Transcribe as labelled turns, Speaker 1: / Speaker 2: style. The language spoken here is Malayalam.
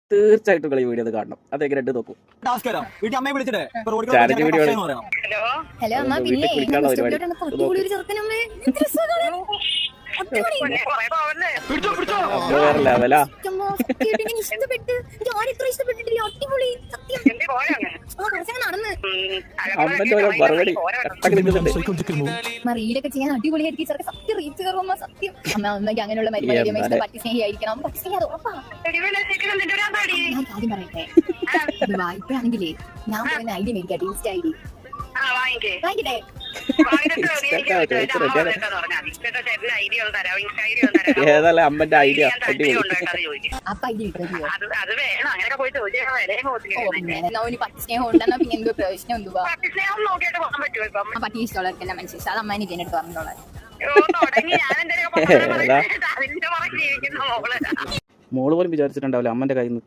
Speaker 1: തീർച്ചയായിട്ടും കളി വീഡിയോ കാണണം. അതെങ്ങനെ നോക്കും. ചാലഞ്ച് വീഡിയോ
Speaker 2: ഹലോ അമ്മ, പിന്നെ
Speaker 1: കുളിക്കാനുള്ള പരിപാടി വേറെ ലെവലാ. അമ്മന്റെ ഓരോ മറുപടി
Speaker 2: റീലൊക്കെ ചെയ്യാൻ അടിപൊളിയായിരിക്കും. സത്യം റീച്ച് കയറുമ്പോ സത്യം അമ്മ അമ്മയ്ക്ക് അങ്ങനെയുള്ള മരുമകളെ പറ്റി സ്നേഹിയായിരിക്കണം. പറ്റി സ്നേഹി അത് ഉറപ്പാ. ഞാൻ കാര്യം പറയട്ടെ, ഇപ്പോഴാണെങ്കിലേ ഞാൻ പറയുന്ന ഐഡി മേടിക്കാം. Insta ID വാങ്ങിക്കട്ടെ.
Speaker 1: ഏതല്ല അമ്മന്റെ ഐഡിയ
Speaker 2: അപ്പൊ ഐഡി കിട്ടുമോ? പട്ടി സ്നേഹം ഉണ്ടെന്നാ പിന്നെ എന്തോ പ്രയോജനം എന്തുവാ? പട്ടി ഇഷ്ടമുള്ളവർക്കെല്ലാം മനസ്സിലായി. അത് അമ്മേനെ ഇതിനെടുത്ത് പറഞ്ഞോളാം.
Speaker 1: മോള് പോലും വിചാരിച്ചിട്ടുണ്ടാവില്ല അമ്മന്റെ കയ്യിൽ നിന്ന്